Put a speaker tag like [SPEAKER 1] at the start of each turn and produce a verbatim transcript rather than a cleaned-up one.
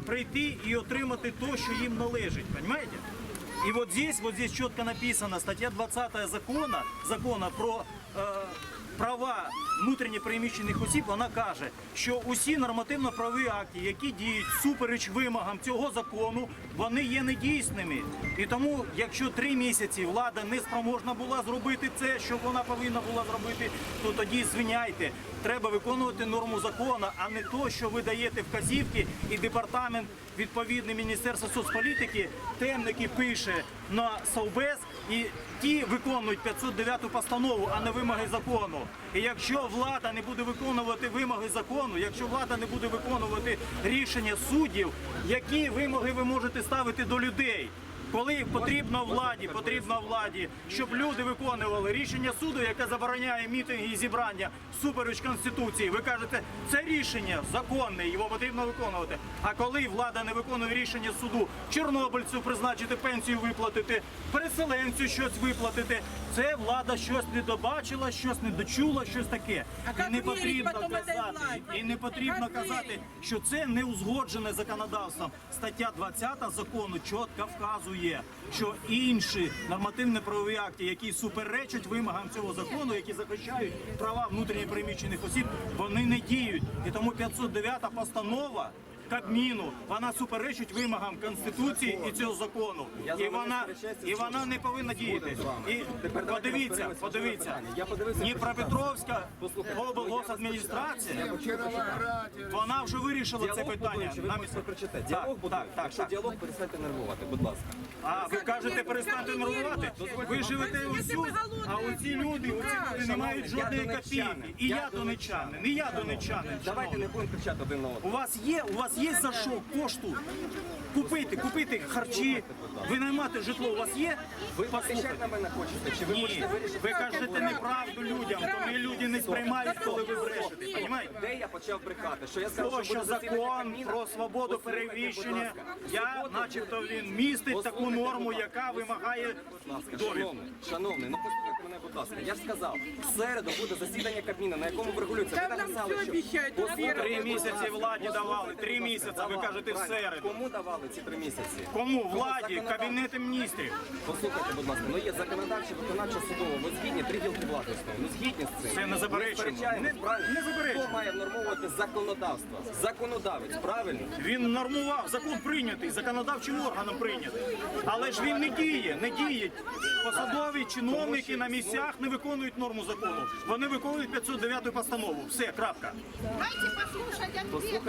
[SPEAKER 1] прийти и отримати то, що їм належить, понимаете? И вот здесь, вот здесь четко написано, статья двадцятая закона, закона про э, права внутрішньо переміщених осіб, вона каже, що усі нормативно-правові акти, які діють всупереч вимогам цього закону, вони є недійсними. І тому, якщо три місяці влада не спроможна була зробити це, що вона повинна була зробити, то тоді звиняйте. Треба виконувати норму закону, а не то, що ви даєте вказівки, і департамент відповідний Міністерства соцполітики, темники пише на Совбез, і ті виконують п'ятсот дев'яту постанову, а не вимоги закону. І якщо влада не буде виконувати вимоги закону, якщо влада не буде виконувати рішення суддів, які вимоги ви можете ставити до людей? Коли потрібно владі, потрібно владі, щоб люди виконували рішення суду, яке забороняє мітинги і зібрання всупереч Конституції. Ви кажете, це рішення законне, його потрібно виконувати. А коли влада не виконує рішення суду, чорнобильцю призначити пенсію виплатити, переселенцю щось виплатити, це влада щось не добачила, щось не дочула, щось таке. І не потрібно казати, і не потрібно казати, що це не узгоджене законодавством. Стаття двадцята закону чітко вказує, що інші нормативно-правові акти, які суперечать вимогам цього закону, які захищають права внутрішньо переміщених осіб, вони не діють. І тому п'ятсот дев'ята постанова Кабміну, вона суперечить вимогам Конституції і цього закону. І вона, і вона не повинна діяти. І подивіться, подивіться, Дніпропетровська облгосадміністрація, вона вже вирішила це питання.
[SPEAKER 2] Діалог, будь ласка. Якщо діалог, перестаньте нервувати, будь ласка.
[SPEAKER 1] А ви кажете, перестаньте нервувати? Ви живете усюди, а оці люди, оці люди не мають жодної копійки. І я донечанин, і я донечанин.
[SPEAKER 2] Давайте не будемо кричати один на одного.
[SPEAKER 1] У вас є, у вас є за що кошту купити, купити харчі, винаймати житло, у вас є?
[SPEAKER 2] Ви захищати на мене хочете? Чи ви
[SPEAKER 1] Ні,
[SPEAKER 2] хочете вирішити?
[SPEAKER 1] ви кажете неправду людям, то ми люди не сприймають, коли ви брешете, розумієте?
[SPEAKER 2] Де я почав брехати? Що я сказав,
[SPEAKER 1] То,
[SPEAKER 2] що
[SPEAKER 1] що
[SPEAKER 2] буде засідання
[SPEAKER 1] закон
[SPEAKER 2] Кабміну?
[SPEAKER 1] про свободу
[SPEAKER 2] Послухайте,
[SPEAKER 1] переміщення,
[SPEAKER 2] будь ласка.
[SPEAKER 1] я,
[SPEAKER 2] Суботу-
[SPEAKER 1] начебто, він містить таку
[SPEAKER 2] Послухайте,
[SPEAKER 1] норму,
[SPEAKER 2] будь
[SPEAKER 1] яка
[SPEAKER 2] ласка.
[SPEAKER 1] вимагає
[SPEAKER 2] Будь ласка,
[SPEAKER 1] довідку.
[SPEAKER 2] шановний, шановний, ну послухайте мене, будь ласка. Я ж сказав, в середу буде засідання Кабміну, на якому врегулюється. Ви написали, що... Послухайте,
[SPEAKER 1] Три
[SPEAKER 2] будь
[SPEAKER 1] місяці
[SPEAKER 2] ласка.
[SPEAKER 1] владі давали, три місяці, ви
[SPEAKER 2] Давали,
[SPEAKER 1] кажете, в
[SPEAKER 2] правильно.
[SPEAKER 1] середу.
[SPEAKER 2] Кому давали ці три місяці?
[SPEAKER 1] Кому? Владі,
[SPEAKER 2] законодавство.
[SPEAKER 1] Кабінету міністрів.
[SPEAKER 2] Послухайте, будь ласка, ну є законодавче, виконавче, судово. Ви згідні, три гілки влади існує. Ну згідні з цим.
[SPEAKER 1] Це не заперечуємо.
[SPEAKER 2] Ми сперечаємось,
[SPEAKER 1] Не-
[SPEAKER 2] правильно?
[SPEAKER 1] не заперечуємо.
[SPEAKER 2] Хто має внормовувати законодавство? Законодавець, правильно?
[SPEAKER 1] Він нормував, закон прийнятий, законодавчим органом прийнятий. Але ж він не діє, не діє. Посадові чиновники на місцях не виконують норму закону. Вони виконують п'ятсот дев'яту постанову. Все, крапка.
[SPEAKER 3] Дайте послушать ответ.